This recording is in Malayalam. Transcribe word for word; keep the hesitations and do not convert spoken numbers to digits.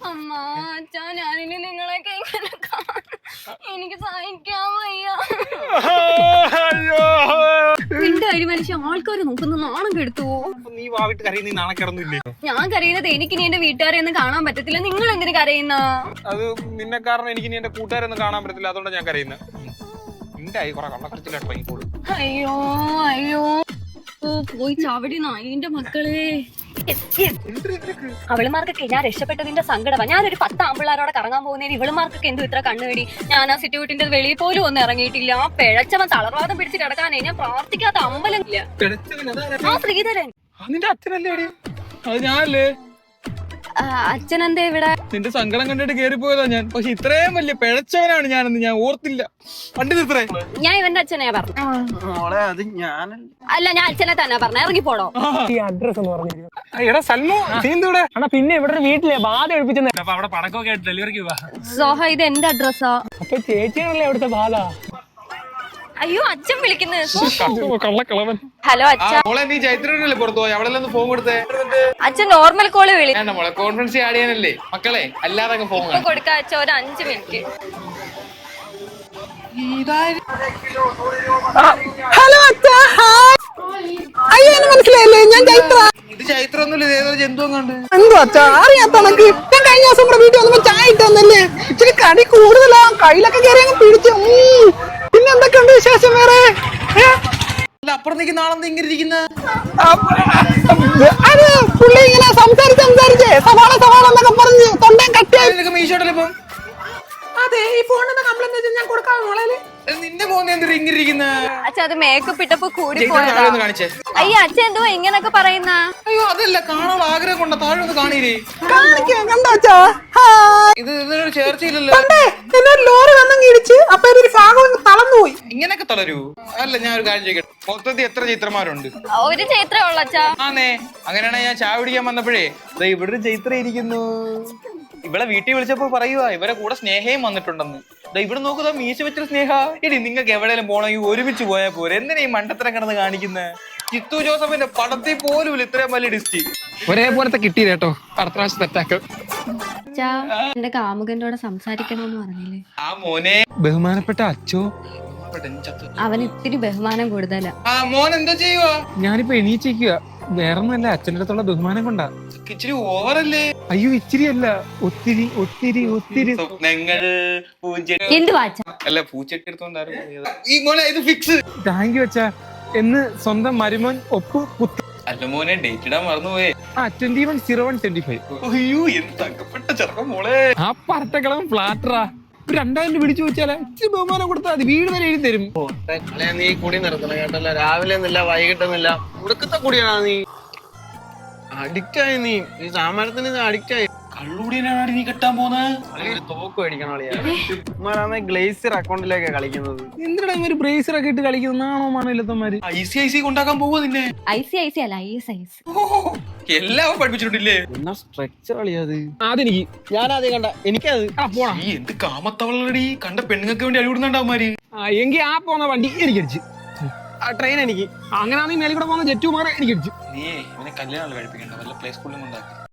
അമ്മ അച്ഛാ ഞാനിനി നിങ്ങളൊക്കെ ഇങ്ങനെ കാണും. എനിക്ക് സഹിക്കാൻ വയ്യ. എന്റെ അരി മനുഷ്യ ആൾക്കാര് നോക്കുന്ന നാണം കെടുത്തു. നീ വാവിട്ട് കരയുന്ന നാളെ കിടന്നില്ലേ? ഞാൻ കരയുന്നത് എനിക്ക് നീ എന്റെ വീട്ടുകാരെ ഒന്നും കാണാൻ പറ്റത്തില്ല. നിങ്ങൾ എന്തിനു കരയുന്ന? അത് നിന്നെ കാരണം എനിക്ക് നീ എന്റെ കൂട്ടുകാരൊന്നും കാണാൻ പറ്റത്തില്ല, അതുകൊണ്ടാണ് ഞാൻ കരയുന്നത്. നിന്റെ ആയി കുറെ കള്ളക്കടച്ചിലായിട്ട് ഇറങ്ങിക്കോളൂ. അയ്യോ അയ്യോ ഓ പോയി ചാവടി നായിന്റെ മക്കളെ. അവളുമാർക്കൊക്കെ ഞാൻ രക്ഷപ്പെട്ടതിന്റെ സങ്കടമാ. ഞാനൊരു പത്ത് ആമ്പിള്ളാരോടെ കറങ്ങാൻ പോകുന്നതിന് ഇവളുമാർക്കൊക്കെ എന്തും ഇത്ര കണ്ണുകടി. ഞാൻ ആ സിറ്റുവിട്ടിന്റെ വെളിയിൽ പോലും ഒന്നും ഇറങ്ങിയിട്ടില്ല. ആ പിഴച്ചവൻ തളർവാദം പിടിച്ച് കിടക്കാനേ ഞാൻ പ്രാർത്ഥിക്കാത്ത അമ്പലം ഇല്ല. ആ ശ്രീധരൻ നിന്റെ അച്ഛനല്ലേ? അത് ഞാനല്ലേ? അച്ഛനെന്താ ഇവിടെ? നിന്റെ സങ്കടം കണ്ടിട്ട് കേറിപ്പോയതാ ഞാൻ. പക്ഷെ ഇത്രയും വലിയ പിഴച്ചവനാണ് ഞാനെന്ന് ഞാൻ ഓർത്തില്ല. പണ്ട് ഇത്രേ ഞാൻ ഇവന്റെ അച്ഛനെയാ പറഞ്ഞു. അല്ല ഞാൻ അച്ഛനെ തന്നെ പറഞ്ഞ. ഇറങ്ങിപ്പോടോ. അഡ്രസ് എന്ന് പറഞ്ഞു. എടാ സൽമു നീന്തൂടെ? അണ്ണാ പിന്നെ ഇവിടെ വീട്ടിലെ ബാധ ഒഴിപ്പിച്ചെന്ന്. അപ്പൊ അവിടെ പടക്കമൊക്കെ ആയിട്ട് ഡെലിവറിക്ക് പോവാ. സോഹ ഇത് എന്റെ അഡ്രസ്സാ. അപ്പൊ ചേച്ചിയാണല്ലേ അവിടുത്തെ ബാധ? അയ്യോ അച്ഛൻ വിളിക്കുന്നത്. കള്ളക്കളവൻ. ഹലോ അച്ഛ. മോളെ നീ ചൈത്രനല്ലേ പുറത്തു പോയി? അവിടെ ഒന്ന് ഫോൺ കൊടുത്തേ. അച്ഛൻ നോർമൽ കോള് വിളി. മോളെ കോൺഫറൻസ് ആഡ് ചെയ്യാനല്ലേ മക്കളെ, അല്ലാതെ ഫോൺ കൊടുക്ക അച്ഛ. ഒരു അഞ്ചു മിനിറ്റ്. ഹലോ അച്ഛാ. അയ്യോ മനസ്സിലായില്ലേ? ഞാൻ ചൈത്ര. ഇത് ചൈത്ര ഒന്നുമില്ല, ഏതോ ജന്തു കണ്ട്. എന്തോ അച്ഛാ അറിയാത്ത കണക്ക്. ഞാൻ കഴിഞ്ഞ ദിവസം ഇവിടെ വീട്ടിൽ വന്നപ്പോ ചായ ഇട്ടന്നല്ലേ. ഇച്ചിരി കടി കൂടുതലാ. കയ്യിലൊക്കെ കയറി അങ്ങ് പിടിച്ചു. പിന്നെ എന്തൊക്കെയുണ്ട് വിശേഷം വേറെ? അപ്പുറം നിൽക്കുന്ന ആളെന്താ ഇങ്ങനെ ഇരിക്കുന്ന? അത് പുള്ളി ഇങ്ങനെ സംസാരിച്ച് സംസാരിച്ചേ സവാള സവാള എന്നൊക്കെ പറഞ്ഞ് തൊണ്ടയും കട്ടിയായി മീശോട്ടല്ലേ ഇപ്പം? അതെ ഈ ഫോണിന്റെ കംപ്ലൈന്റ് ഞാൻ കൊടുക്കാം. മോളെ നിന്റെ ഫോൺ എന്തിനാ ഇങ്ങനെ ഇരിക്കുന്ന? അച്ഛ അത് മേക്കപ്പ് ഇട്ടപ്പോ കൂടി പോയതാ. കാണിച്ചേ. അയ്യോ അച്ഛൻ എന്തോ ഇങ്ങനൊക്കെ പറയുന്ന? അയ്യോ അതല്ല, കാണാനുള്ള ആഗ്രഹം കൊണ്ട താഴെ ഒന്ന് കാണീരേ. കണ്ടോ ഇത് ഇതിനൊരു ചേർച്ചയില്ലല്ലോ. ലോറി വന്നങ്ങ് ഇടിച്ച് അപ്പൊ ഒരു ഭാഗം തളർന്നുപോയി. ഇങ്ങനൊക്കെ തളരൂ? അല്ല ഞാൻ ഒരു കാര്യം ചോദിക്കട്ടെ, മൊത്തത്തിൽ എത്ര ചൈത്രമാരുണ്ട്? ഒരു ചൈത്രേ ഉള്ളു അച്ഛാ. ആന്നേ, അങ്ങനെയാണെങ്കിൽ ഞാൻ ചായ പിടിക്കാൻ വന്നപ്പോഴേ ഇവിടെ ഒരു ചൈത്ര ഇരിക്കുന്നു. ഇവിടെ വീട്ടിൽ വിളിച്ചപ്പോ പറയുവാ ഇവരെ കൂടെ സ്നേഹയും വന്നിട്ടുണ്ടെന്ന്. ഇവിടെ നോക്കുക മീശ വെച്ചൊരു സ്നേഹ. ഇനി നിങ്ങൾക്ക് എവിടെയെങ്കിലും പോണെങ്കിൽ ഒരുമിച്ച് പോയാൽ പോരെ. എന്തിനാ ഈ മണ്ടത്തരം കിടന്ന് കാണിക്കുന്നത്? ചിത്തു ജോസഫിന്റെ പടത്തിൽ പോലും ഇത്രയും വലിയ ഡിസ്റ്റി ഒരേപോലത്തെ കിട്ടി കേട്ടോ. അടുത്ത പ്രാവശ്യം തെറ്റാക്കും. എന്റെ കാമുകന്റെ കൂടെ സംസാരിക്കണമെന്ന് പറഞ്ഞില്ലേ? ആ മോനെ ബഹുമാനപ്പെട്ട അച്ചോ. അവന് ഇത്തിരി ബഹുമാനം കൂടുതലാ. ആ മോൻ എന്താ ചെയ്യുവാ? ഞാനിപ്പോ എണീച്ചിരിക്കുക. വേറൊന്നല്ല, അച്ഛൻ്റെ അടുത്തുള്ള ബഹുമാനം കൊണ്ടാ. ഇച്ചിരി ഓവറല്ലേ? അയ്യോ ഇച്ചിരി അല്ല, ഒത്തിരി ഒത്തിരി ഒത്തിരി. എന്ത് വാച്ച? അല്ല പൂച്ചട്ടി എടുത്തോണ്ടായിരുന്നു ഈ മോനെ. ഇത് ഫിക്സ്. താങ്ക് യു അച്ഛാ എന്ന് സ്വന്തം മരുമോൻ ഒപ്പ് കുത്തി. അല്ല മോനെ ഡേറ്റ് ഇടാൻ മറന്നുപോയേ. ആ twenty one zero one twenty five. അയ്യോ എന്ത് തങ്കപ്പെട്ട ചെറുക്കം മോളെ. ആ പറട്ടക്കളം ഫ്ലാറ്ററാ. രണ്ടായിരം രൂപ പിടിച്ചു വെച്ചാലേ ഇച്ചിരി ബഹുമാനം കൊടുത്താൽ മതി. വീട് വരെ എഴുതി തരും. നീ കുടി നിർത്തണം കേട്ടല്ല. രാവിലെ ഒന്നില്ല വൈകിട്ടൊന്നുമില്ല. ഉടുക്കത്തെ കുടിയാണോ നീ? അഡിക്റ്റ് ആയി നീ. ഈ സാമാനത്തിന് അഡിക്റ്റ് ആയി. കള്ളുകൂടിയാണ് നീ കെട്ടാൻ പോകുന്നത്. തോക്ക് മേടിക്കണോ? ഗ്ലേസിയർ അക്കൗണ്ടിലേക്കാ കളിക്കുന്നത്. എന്തിനാ ഒരു ബ്രേസർ ഒക്കെ ഇട്ട് കളിക്കുന്നതാണോ മാണില്ലത്തന്മാര്? ഐ സി ഐ സി കൊണ്ടാക്കാൻ പോവോ നിന്നെ? ഐ സി ഐ സി അല്ല ഐ എസ് ഐ എസ്. എല്ലാം പഠിപ്പിച്ചിട്ടില്ലേ? എന്നാ സ്ട്രക്ചർ കളിയത്. അതെനിക്ക് ഞാനാദ്യം കണ്ട എനിക്കത്. ഈ എന്ത് കാമത്തവളടി. കണ്ട പെണ്ണുങ്ങൾക്ക് വേണ്ടി അടിവിടുന്നുണ്ടാവുമാര്. എങ്കിൽ ആ പോന്ന വണ്ടി എനിക്കടിച്ച്. ആ ട്രെയിൻ എനിക്ക്. അങ്ങനെയാണെങ്കിൽ മേലെ കൂടെ പോകുന്ന ജെറ്റുമാരെ എനിക്കടിച്ചു. നീ ഇവനെ കല്യാണം കഴിപ്പിക്കണ്ട, വല്ല പ്ലേ സ്കൂളിലും കൊണ്ടാക്കി.